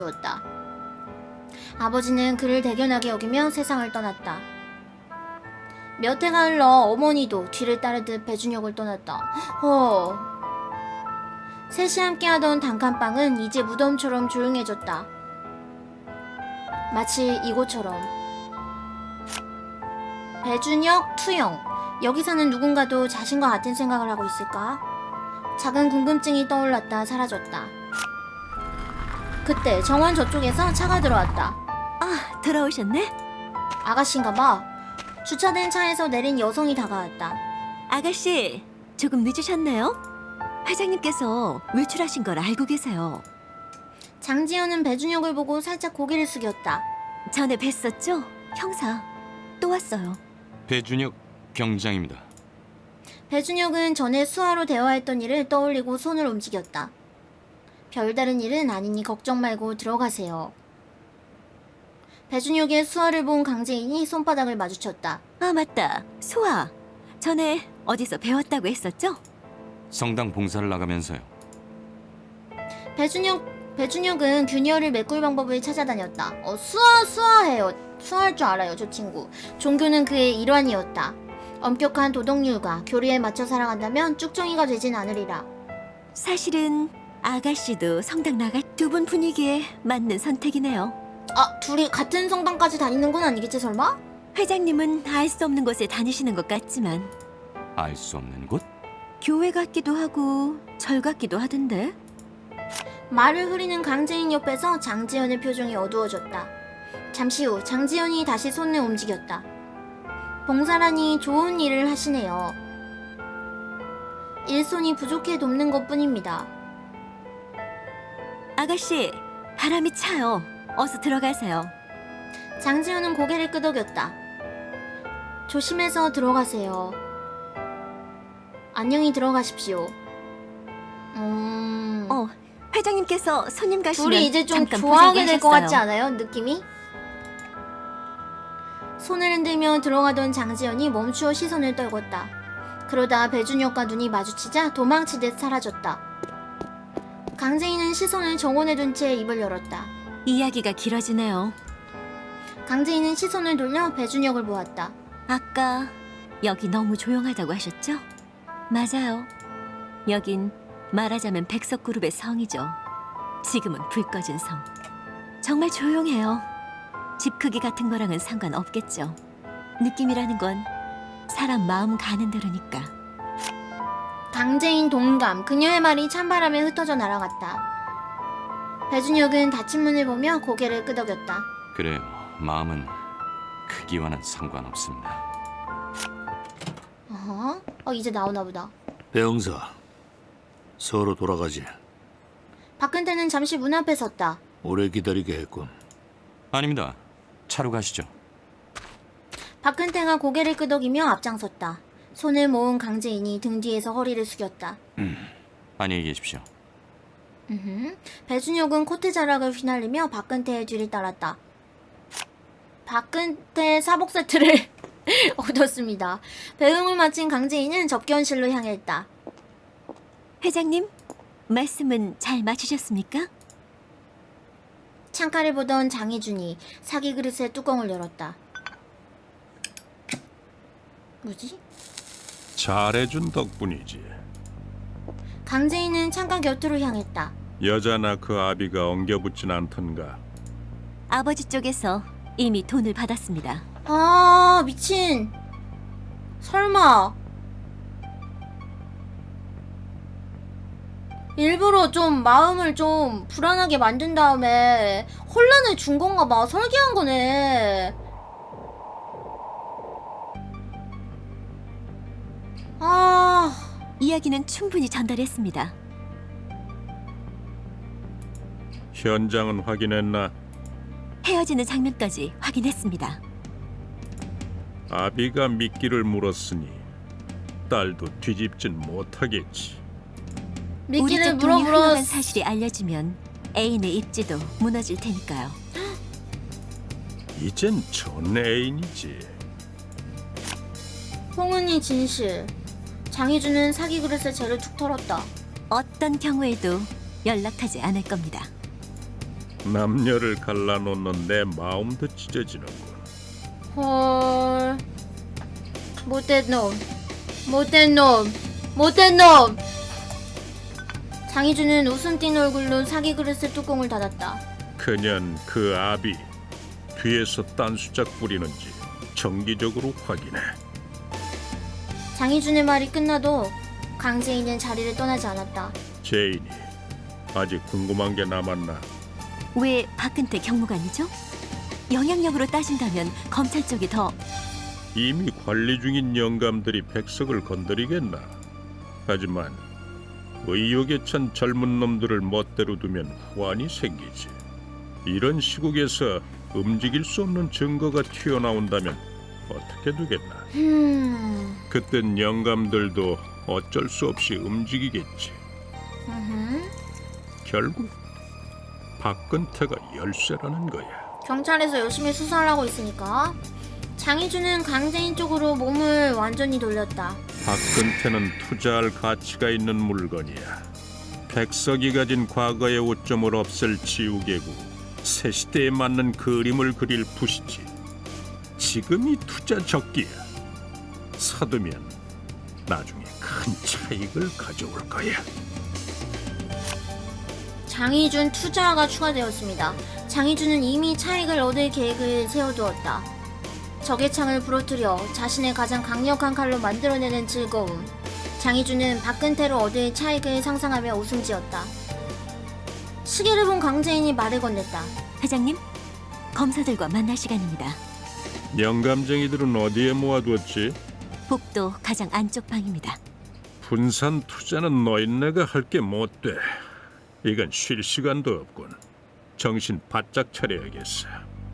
었다. 아버지는 그를 대견하게 여기며 세상을 떠났다. 몇 해가 흘러 어머니도 뒤를 따르듯 배준혁을 떠났다. 셋이 함께하던 단칸방은 이제 무덤처럼 조용해졌다. 마치 이곳처럼. 배준혁, 투영. 여기 사는 누군가도 자신과 같은 생각을 하고 있을까? 작은 궁금증이 떠올랐다 사라졌다. 그때 정원 저쪽에서 차가 들어왔다. 아, 돌아오셨네? 아가씨인가봐. 주차된 차에서 내린 여성이 다가왔다. 아가씨, 조금 늦으셨네요? 회장님께서 외출하신 걸 알고 계세요. 장지연은 배준혁을 보고 살짝 고개를 숙였다. 전에 뵀었죠? 형사, 또 왔어요. 배준혁 경장입니다. 배준혁은 전에 수아로 대화했던 일을 떠올리고 손을 움직였다. 별다른 일은 아니니 걱정 말고 들어가세요. 배준혁의 수아를 본 강재인이 손바닥을 마주쳤다. 아, 맞다. 수아, 전에 어디서 배웠다고 했었죠? 성당 봉사를 나가면서요. 배준혁은 균열을 메꿀 방법을 찾아다녔다. 수아해요. 수아할 줄 알아요, 저 친구. 종교는 그의 일환이었다. 엄격한 도덕률과 교리에 맞춰 살아간다면 쭉정이가 되진 않으리라. 사실은 아가씨도 성당 나갈 두 분 분위기에 맞는 선택이네요. 아, 둘이 같은 성당까지 다니는 건 아니겠지 설마? 회장님은 알 수 없는 곳에 다니시는 것 같지만 알 수 없는 곳? 교회 같기도 하고 절 같기도 하던데. 말을 흐리는 강재인 옆에서 장지연의 표정이 어두워졌다. 잠시 후 장지연이 다시 손을 움직였다. 봉사라니 좋은 일을 하시네요. 일손이 부족해 돕는 것뿐입니다. 아가씨, 바람이 차요. 어서 들어가세요. 장지연은 고개를 끄덕였다. 조심해서 들어가세요. 안녕히 들어가십시오. 회장님께서 손님 가시면 둘이 이제 좀 잠깐 좋아하게 될 것 보자고 같지 않아요? 느낌이? 손을 흔들며 들어가던 장지연이 멈추어 시선을 떨궜다. 그러다 배준혁과 눈이 마주치자 도망치듯 사라졌다. 강재인은 시선을 정원에 둔 채 입을 열었다. 이야기가 길어지네요. 강재인은 시선을 돌려 배준혁을 보았다. 아까 여기 너무 조용하다고 하셨죠? 맞아요. 여긴 말하자면 백석그룹의 성이죠. 지금은 불 꺼진 성. 정말 조용해요. 집 크기 같은 거랑은 상관없겠죠. 느낌이라는 건 사람 마음 가는 대로니까. 강재인 동감. 그녀의 말이 찬바람에 흩어져 날아갔다. 배준혁은 닫힌 문을 보며 고개를 끄덕였다. 그래요. 마음은 크기와는 상관없습니다. 이제 나오나 보다. 배영사, 서로 돌아가지. 박근태는 잠시 문 앞에 섰다. 오래 기다리게 했군. 아닙니다. 차로 가시죠. 박근태가 고개를 끄덕이며 앞장섰다. 손을 모은 강재인이 등 뒤에서 허리를 숙였다. 안녕히 계십시오. 배준혁은 코트 자락을 휘날리며 박근태의 뒤를 따랐다. 박근태 사복 세트를 얻었습니다. 배웅을 마친 강재인은 접견실로 향했다. 회장님, 말씀은 잘 마치셨습니까? 창가를 보던 장희준이 사기 그릇의 뚜껑을 열었다. 뭐지? 잘해준 덕분이지. 강재인은 창가 곁으로 향했다. 여자나 그 아비가 엉겨붙진 않던가. 아버지 쪽에서 이미 돈을 받았습니다. 아, 미친. 설마 일부러 좀 마음을 좀 불안하게 만든 다음에 혼란을 준 건가 봐. 설계한 거네. 아, 이야기는 충분히 전달했습니다. 현장은 확인했나? 헤어지는 장면까지 확인했습니다. 아비가 미끼를 물었으니 딸도 뒤집진 못하겠지. 우리 미끼를 쪽 돈이 물어물어. 흘러간 사실이 알려지면 애인의 입지도 무너질 테니까요. 이젠 전 애인이지. 홍은이 진실. 장희준은 사기 그릇에 죄를 툭 털었다. 어떤 경우에도 연락하지 않을 겁니다. 남녀를 갈라놓는 내 마음도 찢어지는군. 헐. 못된 놈. 못된 놈. 못된 놈. 장희준은 웃음 띤 얼굴로 사기 그릇의 뚜껑을 닫았다. 그년 그 아비 뒤에서 딴 수작 부리는지 정기적으로 확인해. 장희준의 말이 끝나도 강재인은 자리를 떠나지 않았다. 제인이 아직 궁금한 게 남았나? 왜 박근태 경무관이죠? 영향력으로 따진다면 검찰 쪽이 더... 이미 관리 중인 영감들이 백석을 건드리겠나? 하지만 의욕에 찬 젊은 놈들을 멋대로 두면 후환이 생기지. 이런 시국에서 움직일 수 없는 증거가 튀어나온다면 어떻게 되겠나? 그땐 영감들도 어쩔 수 없이 움직이겠지. 결국 박근태가 열쇠라는 거야. 경찰에서 열심히 수사를 하고 있으니까 장희준은 강재인 쪽으로 몸을 완전히 돌렸다. 박근태는 투자할 가치가 있는 물건이야. 백석이 가진 과거의 오점을 없앨 지우개고 새 시대에 맞는 그림을 그릴 붓이지. 지금이 투자 적기야. 서두면 나중에 큰 차익을 가져올 거야. 장희준 투자가 추가되었습니다. 장희준은 이미 차익을 얻을 계획을 세워두었다. 적의 창을 부러뜨려 자신의 가장 강력한 칼로 만들어내는 즐거움. 장희준은 박근태로 얻을 차익을 상상하며 웃음 지었다. 시계를 본 강재인이 말을 건넸다. 회장님, 검사들과 만날 시간입니다. 영감쟁이들은 어디에 모아두었지? 복도 가장 안쪽 방입니다. 분산 투자는 너희네가 할 게 못 돼. 이건 쉴 시간도 없군. 정신 바짝 차려야겠어.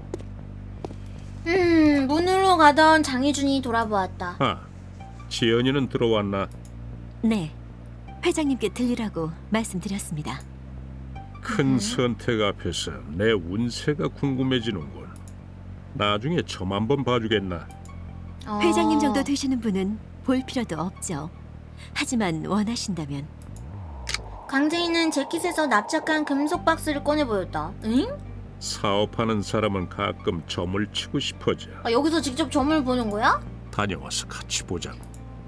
문으로 가던 장희준이 돌아보았다. 아, 지연이는 들어왔나? 네, 회장님께 들리라고 말씀드렸습니다. 큰 선택 앞에서 내 운세가 궁금해지는군. 나중에 점 한번 봐주겠나? 회장님 정도 되시는 분은 볼 필요도 없죠. 하지만 원하신다면... 강재인은 재킷에서 납작한 금속 박스를 꺼내 보였다. 응? 사업하는 사람은 가끔 점을 치고 싶어져. 아, 여기서 직접 점을 보는 거야? 다녀와서 같이 보자고.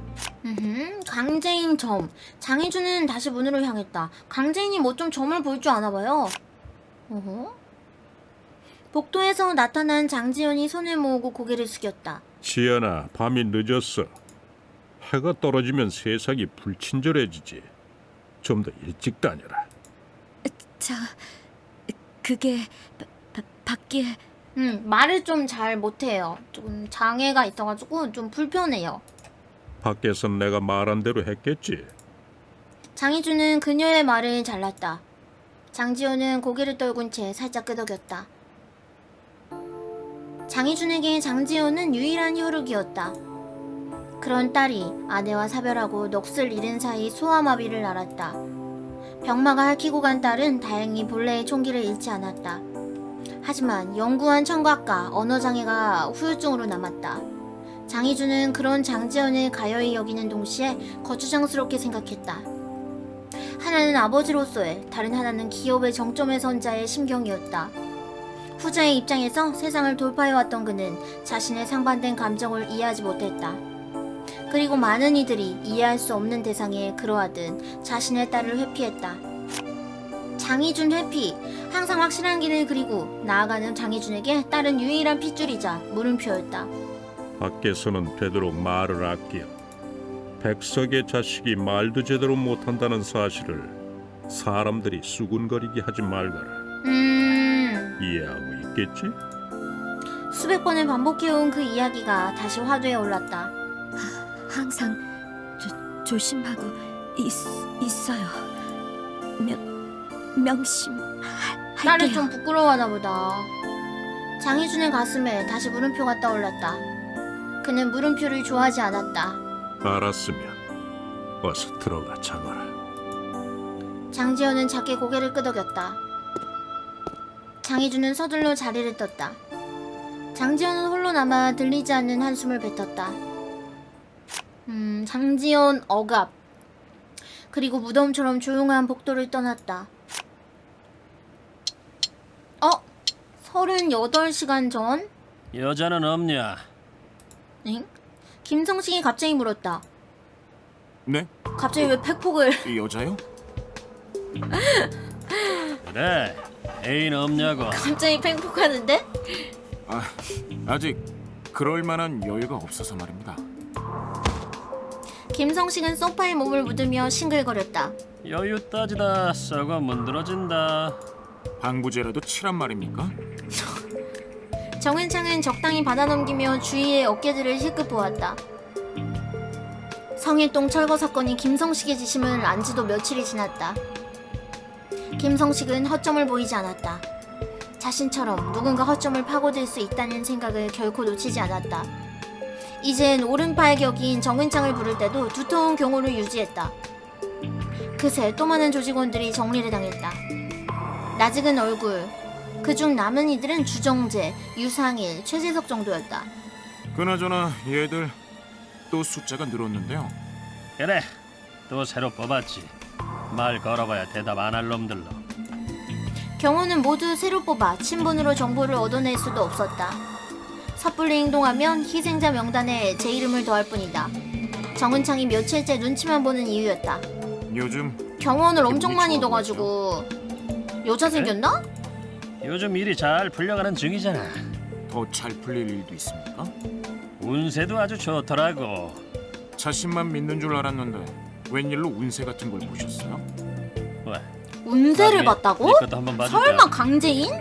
강재인 점. 장희준은 다시 문으로 향했다. 강재인이 뭐 좀 점을 볼 줄 아나 봐요. 어허? 복도에서 나타난 장지연이 손을 모으고 고개를 숙였다. 지연아, 밤이 늦었어. 해가 떨어지면 세상이 불친절해지지. 좀 더 일찍 다녀라. 자, 그게... 밖에... 말을 좀 잘 못해요. 조금 장애가 있어가지고 좀 불편해요. 밖에선 내가 말한 대로 했겠지. 장희준은 그녀의 말을 잘랐다. 장지연은 고개를 떨군 채 살짝 끄덕였다. 장희준에게 장지연은 유일한 혈육이었다. 그런 딸이 아내와 사별하고 넋을 잃은 사이 소아마비를 앓았다. 병마가 핥히고 간 딸은 다행히 본래의 총기를 잃지 않았다. 하지만 영구한 청각과 언어장애가 후유증으로 남았다. 장희준은 그런 장지연을 가여이 여기는 동시에 거추장스럽게 생각했다. 하나는 아버지로서의, 다른 하나는 기업의 정점에 선 자의 심경이었다. 후자의 입장에서 세상을 돌파해왔던 그는 자신의 상반된 감정을 이해하지 못했다. 그리고 많은 이들이 이해할 수 없는 대상에 그러하듯 자신의 딸을 회피했다. 장희준 회피, 항상 확실한 길을 그리고 나아가는 장희준에게 딸은 유일한 핏줄이자 물음표였다. 밖에서는 되도록 말을 아껴. 백석의 자식이 말도 제대로 못한다는 사실을 사람들이 수군거리게 하지 말거라. 이해하고 있겠지? 수백 번을 반복해온 그 이야기가 다시 화두에 올랐다. 항상 조심하고 있어요. 명심할게요. 딸을 좀 부끄러워하나 보다. 장희준의 가슴에 다시 물음표가 떠올랐다. 그는 물음표를 좋아하지 않았다. 알았으면 어서 들어가 자거라. 장지연은 작게 고개를 끄덕였다. 장희준은 서둘러 자리를 떴다. 장지연은 홀로 남아 들리지 않는 한숨을 뱉었다. 장지연 억압. 그리고 무덤처럼 조용한 복도를 떠났다. 38시간 전? 여자는 없냐? 응? 김성식이 갑자기 물었다. 네? 갑자기 왜 팩폭을... 이 여자요? 그래, 애인 없냐고. 갑자기 팩폭하는데? 아직 그럴 만한 여유가 없어서 말입니다. 김성식은 소파에 몸을 묻으며 싱글거렸다. 여유 따지다 썩어 문드러진다. 방부제라도 치란 말입니까? 정은창은 적당히 받아넘기며 주위의 어깨들을 힐끗 보았다. 성일동 철거 사건이 김성식의 지심을 안 지도 며칠이 지났다. 김성식은 허점을 보이지 않았다. 자신처럼 누군가 허점을 파고들 수 있다는 생각을 결코 놓치지 않았다. 이젠 오른팔 격인 정은창을 부를 때도 두터운 경호를 유지했다. 그새 또 많은 조직원들이 정리를 당했다. 낯익은 얼굴, 그중 남은 이들은 주정재, 유상일, 최재석 정도였다. 그나저나 얘들 또 숫자가 늘었는데요. 그래, 또 새로 뽑았지. 말 걸어봐야 대답 안 할 놈들로. 경호는 모두 새로 뽑아 친분으로 정보를 얻어낼 수도 없었다. 섣불리 행동하면 희생자 명단에 제 이름을 더할 뿐이다. 정은창이 며칠째 눈치만 보는 이유였다. 요즘 경호원을 엄청 기분이 많이 좋아 둬가지고 여자 생겼나? 요즘 일이 잘 풀려가는 중이잖아. 더 잘 풀릴 일도 있습니까? 운세도 아주 좋더라고. 자신만 믿는 줄 알았는데 웬일로 운세 같은 걸 보셨어요? 왜? 운세를 나중에 봤다고? 네 것도 한번 봐줄까? 설마 강재인?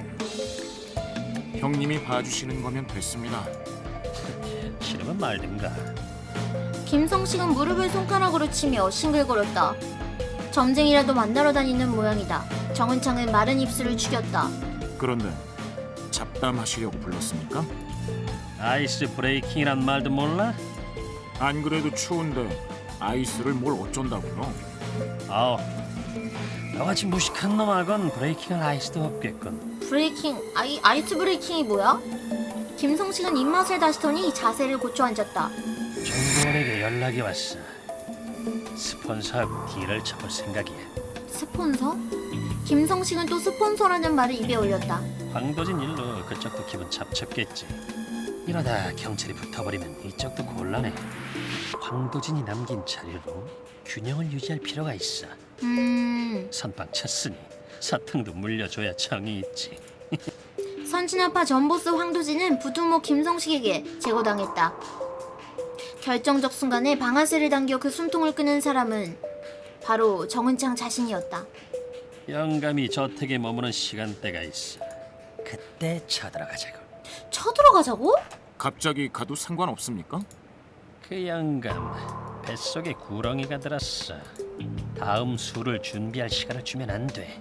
형님이 봐주시는 거면 됐습니다. 싫으면 말든가. 김성식은 무릎을 손가락으로 치며 싱글거렸다. 점쟁이라도 만나러 다니는 모양이다. 정은창은 마른 입술을 죽였다. 그런데 잡담하시려고 불렀습니까? 아이스 브레이킹이란 말도 몰라? 안 그래도 추운데 아이스를 뭘 어쩐다고요? 아우, 너같이 무식한 놈하건 브레이킹할 아이스도 없겠군. 브레이킹, 아이스 브레이킹이 뭐야? 김성식은 입맛을 다시더니 자세를 고쳐 앉았다. 정보원에게 연락이 왔어. 스폰서하고 딜을 쳐볼 생각이야. 스폰서? 김성식은 또 스폰서라는 말을 입에 올렸다. 황도진 일로 그쪽도 기분 잡쳤겠지. 이러다 경찰이 붙어버리면 이쪽도 곤란해. 황도진이 남긴 자료로 균형을 유지할 필요가 있어. 선빵 쳤으니 사탕도 물려줘야 정이 있지. 선진아파 전보스 황도진은 부두모 김성식에게 제거당했다. 결정적 순간에 방아쇠를 당겨 그 숨통을 끄는 사람은 바로 정은창 자신이었다. 영감이 저택에 머무는 시간대가 있어. 그때 쳐들어가자고. 쳐들어가자고? 갑자기 가도 상관없습니까? 그 영감 뱃속에 구렁이가 들었어. 다음 수를 준비할 시간을 주면 안 돼.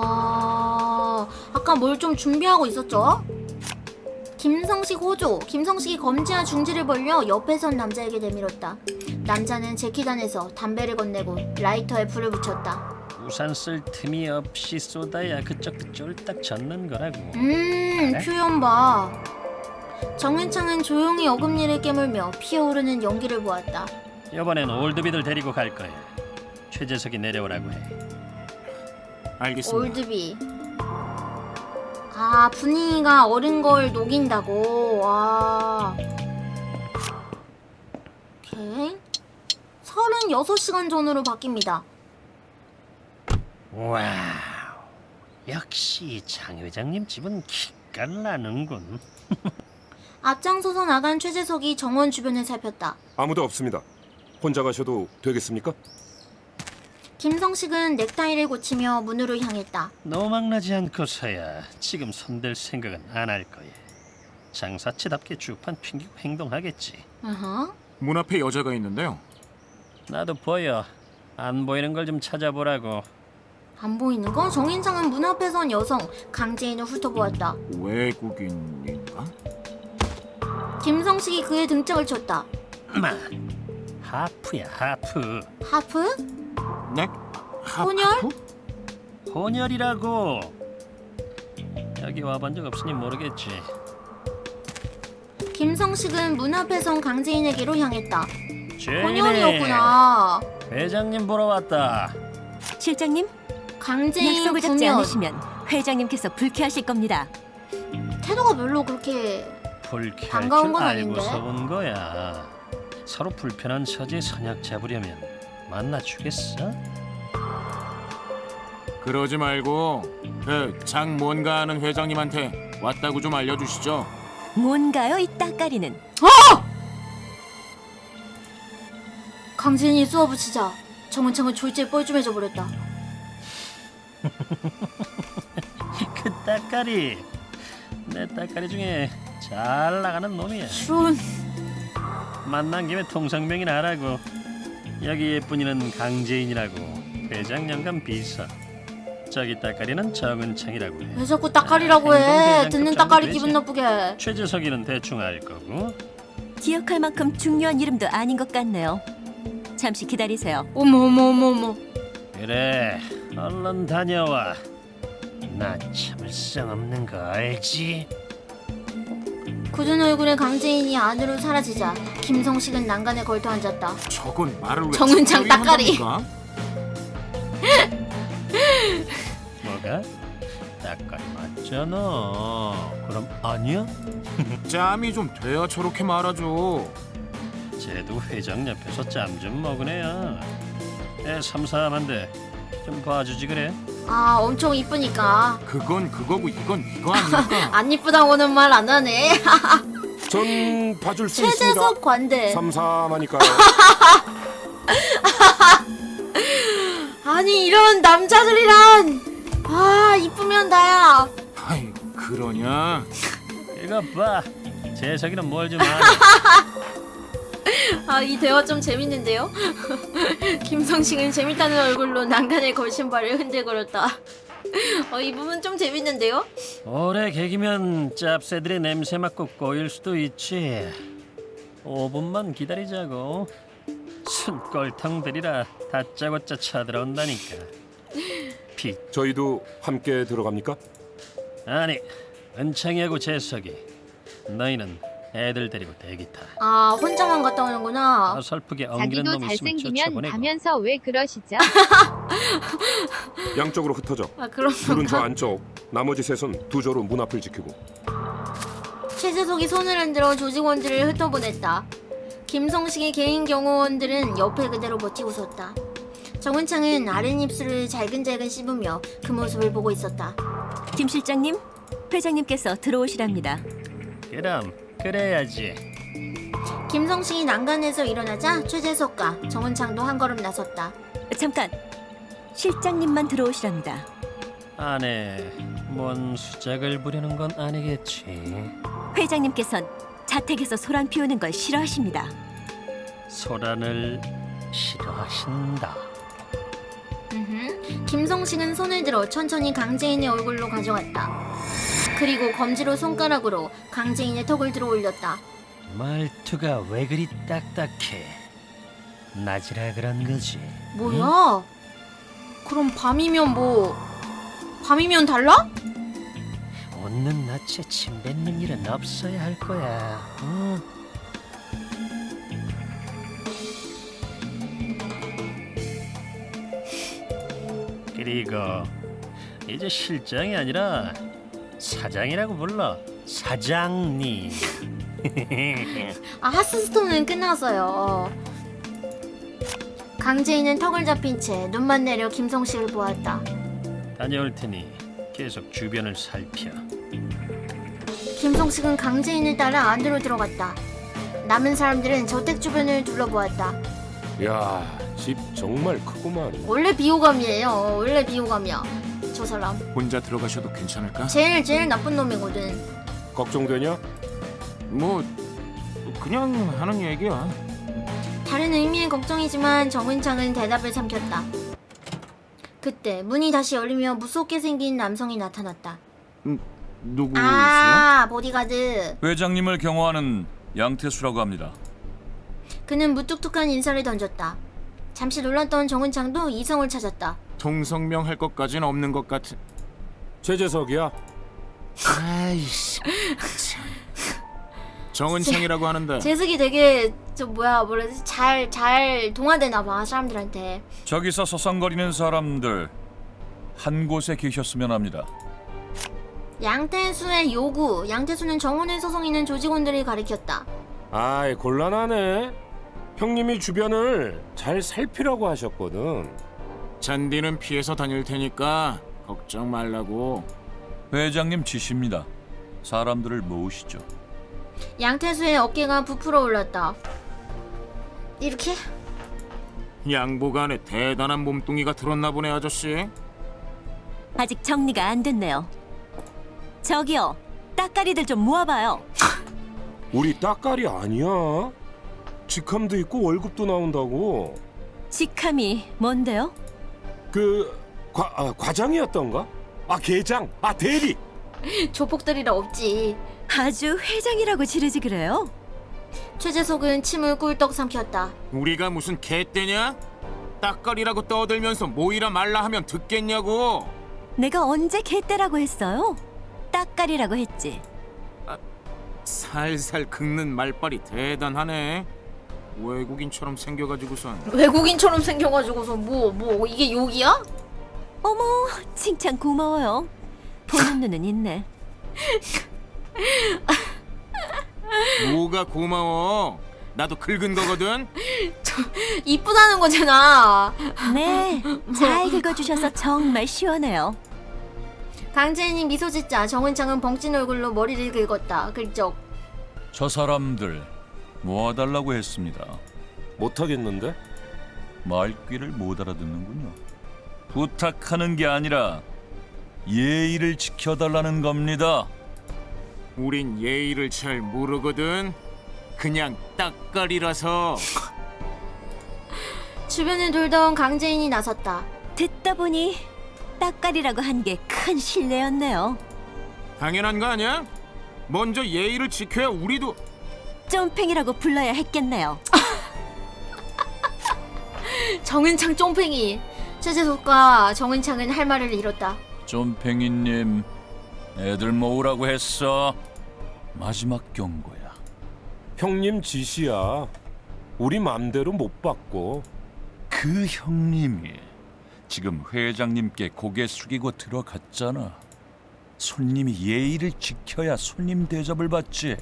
아까 뭘 좀 준비하고 있었죠? 김성식 호조. 김성식이 검지와 중지를 벌려 옆에 선 남자에게 내밀었다. 남자는 재킷 안에서 담배를 건네고 라이터에 불을 붙였다. 우산 쓸 틈이 없이 쏟아야 그쪽도 쫄딱 젖는 거라고. 표현 봐. 정은창은 조용히 어금니를 깨물며 피어오르는 연기를 보았다. 이번엔 올드비들 데리고 갈 거야. 최재석이 내려오라고 해. 알겠습니다. 올드비. 분위기가 어린 걸 녹인다고. 와. 오케이. 36시간 전으로 바뀝니다. 와우. 역시 장 회장님 집은 기가 나는군. 앞장서서 나간 최재석이 정원 주변을 살폈다. 아무도 없습니다. 혼자 가셔도 되겠습니까? 김성식은 넥타이를 고치며 문으로 향했다. 노망나지 않고서야 지금 손댈 생각은 안 할 거야. 장사치답게 주판 핑기고 행동하겠지. 문 앞에 여자가 있는데요. 나도 보여. 안 보이는 걸 좀 찾아보라고. 안 보이는 건 정인창은 문 앞에 선 여성 강재인을 훑어보았다. 외국인인가? 김성식이 그의 등짝을 쳤다. 마, 하프야 하프. 하프? 네? 혼혈? 혼혈이라고. 여기 와본 적 없으니 모르겠지. 김성식은 문 앞에 선 강재인에게로 향했다. 죄인이네. 혼혈이었구나. 회장님 보러 왔다. 실장님, 강재인 약속을 잡지 구면. 않으시면 회장님께서 불쾌하실 겁니다. 태도가 별로 그렇게 불쾌할 반가운 줄 건 아닌데? 알고서 온 거야. 서로 불편한 처지에 선약 잡으려면 만나주겠어? 그러지 말고 그 장 뭔가 하는 회장님한테 왔다고 좀 알려주시죠. 뭔가요, 이 따까리는? 강진이 쏘아붙이자 정은창은 졸지에 뻘쭘해져 버렸다. 그 따까리 내 따까리 중에 잘 나가는 놈이야. 이런. 만난 김에 통성명이나 하라고. 여기 예쁜이는 강재인이라고 회장 영감 비서. 저기 따까리는 정은창이라고 해. 왜 자꾸 따까리라고 아, 해? 행동대장급 듣는 정도 따까리 되지. 기분 나쁘게. 최재석이는 대충 알 거고. 기억할 만큼 중요한 이름도 아닌 것 같네요. 잠시 기다리세요. 어머. 그래 얼른 다녀와. 나 참을성 없는 거 알지? 굳은 얼굴의 강재인이 안으로 사라지자 김성식은 난간에 걸터 앉았다. 저건 말을 왜 정은창 적절히 따까리. 한답니까? 뭐가? 따까리 맞잖아. 그럼 아니야? 짬이 좀 돼야 저렇게 말하죠. 쟤도 회장 옆에서 짬 좀 먹은 애야. 애 삼삼한데 좀 봐주지 그래. 아, 엄청 이쁘니까. 그건 그거고 이건 이거 아닙니까? 안 이쁘다고는 말 안 하네. 전 봐줄 수 있습니다. 최재석 관대. 삼삼하니까요. 아니, 이런 남자들이란. 아, 이쁘면 다야. 아이 그러냐? 이거 봐. 재석이는 뭘 좀 아네. 아, 이 대화 좀 재밌는데요? 김성식은 재밌다는 얼굴로 난간에 걸 신발을 흔들거렸다. 이 부분 좀 재밌는데요? 오래 개기면 짭새들의 냄새 맡고 꼬일 수도 있지. 5분만 기다리자고. 순꼴통 들이라 다짜고짜 쳐들어온다니까. 피 저희도 함께 들어갑니까? 아니 은창이하고 재석이 너희는 애들 데리고 대기 타. 아, 혼자만 갔다 오는구나. 어설프게 엉기는 자기도 놈 있으면 잘생기면 쫓아보내고. 가면서 왜 그러시죠? 양쪽으로 흩어져. 아, 그런 둘은 저 건가? 안쪽, 나머지 셋은 두 조로 문 앞을 지키고. 최재석이 손을 흔들어 조직원들을 흩어보냈다. 김성식의 개인 경호원들은 옆에 그대로 버티고 섰다. 정은창은 아랫입술을 잘근잘근 씹으며 그 모습을 보고 있었다. 김 실장님, 회장님께서 들어오시랍니다. 그럼 그래야지. 김성식이 난간에서 일어나자 최재석과 정은창도 한 걸음 나섰다. 잠깐, 실장님만 들어오시랍니다. 안에 뭔 수작을 부리는 건 아니겠지. 회장님께선 자택에서 소란 피우는 걸 싫어하십니다. 소란을 싫어하신다. 김성식은 손을 들어 천천히 강재인의 얼굴로 가져갔다. 그리고 검지로 손가락으로 강재인의 턱을 들어 올렸다. 말투가 왜 그리 딱딱해? 낮이라 그런 거지. 뭐야? 그럼 밤이면 밤이면 달라? 웃는 낯에 침 뱉는 일은 없어야 할 거야. 응? 그리고 이제 실장이 아니라 사장이라고 불러. 사장님. 아, 하스스톤은 끝났어요. 강재인은 턱을 잡힌 채 눈만 내려 김성식을 보았다. 다녀올 테니 계속 주변을 살펴. 김성식은 강재인을 따라 안으로 들어갔다. 남은 사람들은 저택 주변을 둘러보았다. 야, 집 정말 크구만. 원래 비호감이에요. 원래 비호감이야. 저 사람. 혼자 들어가셔도 괜찮을까? 제일 나쁜 놈이거든. 걱정되냐? 뭐 그냥 하는 얘기야. 다른 의미의 걱정이지만 정은창은 대답을 삼켰다. 그때 문이 다시 열리며 무섭게 생긴 남성이 나타났다. 누구세요? 아, 보디가드. 회장님을 경호하는 양태수라고 합니다. 그는 무뚝뚝한 인사를 던졌다. 잠시 놀랐던 정은창도 이성을 찾았다. 통성명 할 것까진 없는 것 같은. 최재석이야. 아이씨. 정은창이라고 하는데. 재석이 되게 잘 동화되나 봐 사람들한테. 저기서 서성거리는 사람들 한 곳에 계셨으면 합니다. 양태수의 요구. 양태수는 정원을 소송이는 조직원들을 가리켰다. 아이 곤란하네. 형님이 주변을 잘 살피라고 하셨거든. 잔디는 피해서 다닐 테니까 걱정 말라고. 회장님 지시입니다. 사람들을 모으시죠. 양태수의 어깨가 부풀어 올랐다. 이렇게? 양복 안에 대단한 몸뚱이가 들었나 보네 아저씨. 아직 정리가 안 됐네요. 저기요, 따까리들 좀 모아봐요. 우리 따까리 아니야. 직함도 있고 월급도 나온다고. 직함이 뭔데요? 그 과장이었던가? 아 계장, 아 대리. 조폭들이라 없지. 아주 회장이라고 지르지 그래요? 최재석은 침을 꿀떡 삼켰다. 우리가 무슨 개떼냐? 따까리라고 떠들면서 모이라 말라 하면 듣겠냐고. 내가 언제 개떼라고 했어요? 따까리라고 했지. 살살 긁는 말빨이 대단하네. 외국인처럼 생겨가지고선. 외국인처럼 생겨가지고서 뭐 이게 욕이야? 어머, 칭찬 고마워요. 보는 눈은 있네. 뭐가 고마워. 나도 긁은 거거든. 이쁘다는 거잖아. 네, 잘 긁어주셔서 정말 시원해요. 강재인이 미소 짓자 정은창은 벙찐 얼굴로 머리를 긁었다. 긁적. 저 사람들 모아달라고 했습니다. 못하겠는데? 말귀를 못 알아듣는군요. 부탁하는 게 아니라 예의를 지켜달라는 겁니다. 우린 예의를 잘 모르거든. 그냥 따까리라서. 주변을 돌던 강재인이 나섰다. 듣다 보니 따까리라고 한 게 큰 실례였네요. 당연한 거 아니야? 먼저 예의를 지켜야 우리도. 쫌팽이라고 불러야 했겠네요. 정은창 쫑팽이. 최재석과 정은창은 할 말을 잃었다. 좀팽이님, 애들 모으라고 했어. 마지막 경고야. 형님 지시야. 우리 맘대로 못 받고. 그 형님이 지금 회장님께 고개 숙이고 들어갔잖아. 손님이 예의를 지켜야 손님 대접을 받지.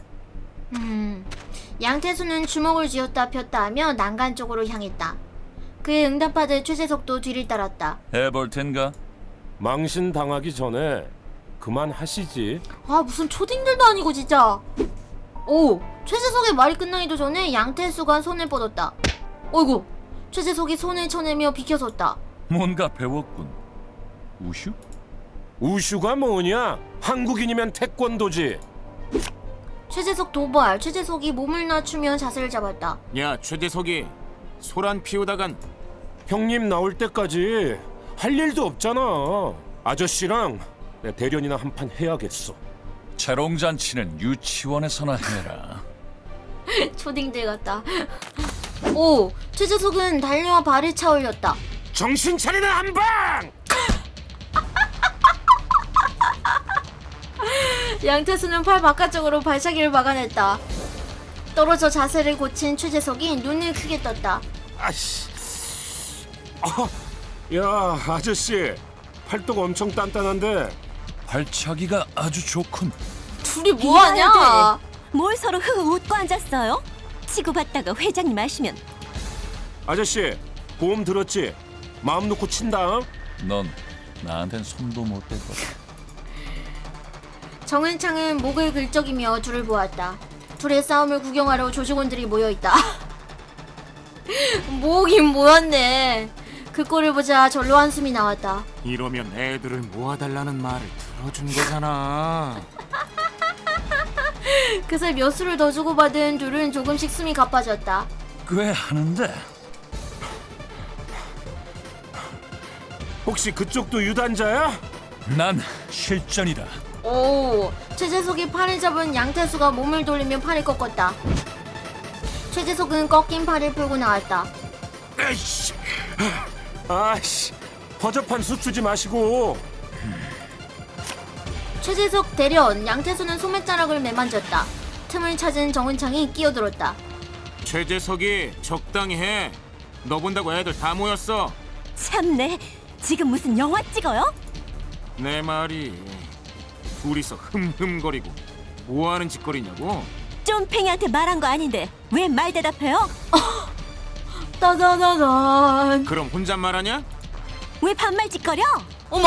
양태수는 주먹을 쥐었다 폈다 하며 난간 쪽으로 향했다. 그의 응답하듯 최재석도 뒤를 따랐다. 해볼 텐가? 망신 당하기 전에 그만하시지. 아 무슨 초딩들도 아니고 진짜. 오, 최재석의 말이 끝나기도 전에 양태수가 손을 뻗었다. 어이구, 최재석이 손을 쳐내며 비켜섰다. 뭔가 배웠군. 우슈? 우슈가 뭐냐? 한국인이면 태권도지. 최재석 도발. 최재석이 몸을 낮추며 자세를 잡았다. 야 최재석이 소란 피우다간. 형님 나올 때까지 할 일도 없잖아. 아저씨랑 내 대련이나 한판 해야겠어. 재롱잔치는 유치원에서나 해라. 초딩들 같다. 오, 최재석은 달려와 발을 차 올렸다. 정신 차리나 한방! 양태수는 팔 바깥쪽으로 발차기를 막아냈다. 떨어져 자세를 고친 최재석이 눈을 크게 떴다. 아씨. 야 아저씨 팔뚝 엄청 단단한데. 발차기가 아주 좋군. 둘이 뭐하냐? 이봐야 돼. 뭘 서로 웃고 앉았어요? 치고받다가 회장님 아시면. 아저씨 보험 들었지? 마음 놓고 친다. 넌 나한텐 손도 못 대거든. 정은창은 목을 긁적이며 둘을 보았다. 둘의 싸움을 구경하러 조직원들이 모여있다. 모으긴 모였네. 그 꼴을 보자 절로 한숨이 나왔다. 이러면 애들을 모아달라는 말을 들어준 거잖아. 그새 몇 수를 더 주고받은 둘은 조금씩 숨이 가빠졌다. 꽤 하는데. 혹시 그쪽도 유단자야? 난 실전이다. 오, 최재석이 팔을 잡은 양태수가 몸을 돌리며 팔을 꺾었다. 최재석은 꺾인 팔을 풀고 나왔다. 에이씨. 아씨 허접한 수추지 마시고. 최재석 대련, 양태수는 소매자락을 매만졌다. 틈을 찾은 정은창이 끼어들었다. 최재석이 적당히 해. 너 본다고 애들 다 모였어. 참네. 지금 무슨 영화 찍어요? 내 말이 둘이서 흠흠거리고 뭐하는 짓거리냐고? 쫌팽이한테 말한 거 아닌데 왜 말 대답해요? 따다다단. 그럼 혼잣말하냐? 왜 반말짓거려? 어머.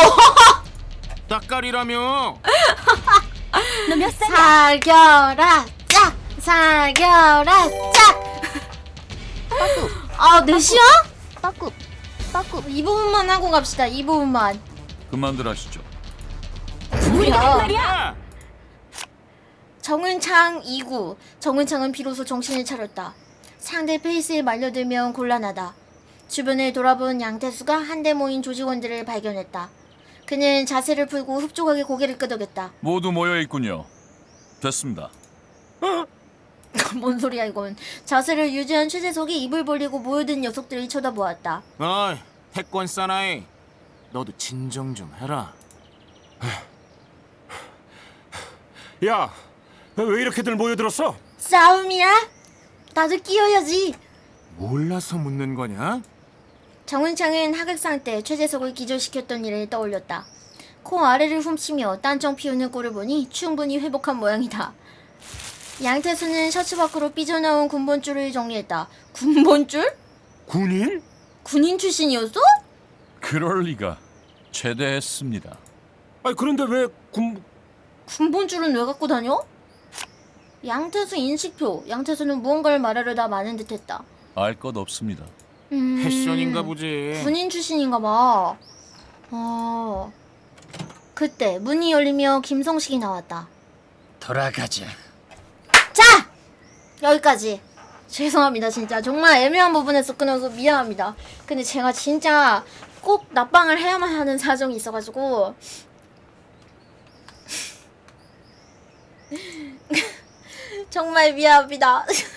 딱깔이라며. 너 몇 살이야? 사겨라 짝. 사겨라 짝. 아, 넷이야? 빠꾸 빠꾸 이 부분만 하고 갑시다. 이 부분만. 그만들 하시죠. 뭐야? 야! 정은창 2구. 정은창은 비로소 정신을 차렸다. 상대 페이스에 말려들면 곤란하다. 주변을 돌아본 양태수가 한데 모인 조직원들을 발견했다. 그는 자세를 풀고 흡족하게 고개를 끄덕였다. 모두 모여 있군요. 됐습니다. 뭔 소리야 이건. 자세를 유지한 최재석이 입을 벌리고 모여든 녀석들을 쳐다보았다. 어이, 태권 사나이. 너도 진정 좀 해라. 야, 왜 이렇게들 모여들었어? 싸움이야? 나도 끼어야지. 몰라서 묻는 거냐? 정은창은 하극상 때 최재석을 기절시켰던 일을 떠올렸다. 코 아래를 훔치며 딴청 피우는 꼴을 보니 충분히 회복한 모양이다. 양태수는 셔츠 밖으로 삐져나온 군번줄을 정리했다. 군번줄? 군인? 군인 출신이었어? 그럴 리가. 제대했습니다. 아니 그런데 왜 군번줄은 왜 갖고 다녀? 양태수 인식표. 양태수는 무언가를 말하려다 마는 듯했다. 알 것 없습니다. 패션인가 보지. 군인 출신인가 봐. 그때 문이 열리며 김성식이 나왔다. 돌아가자. 자! 여기까지. 죄송합니다 진짜. 정말 애매한 부분에서 끊어서 미안합니다. 근데 제가 진짜 꼭 납방을 해야만 하는 사정이 있어가지고 정말 미안합니다.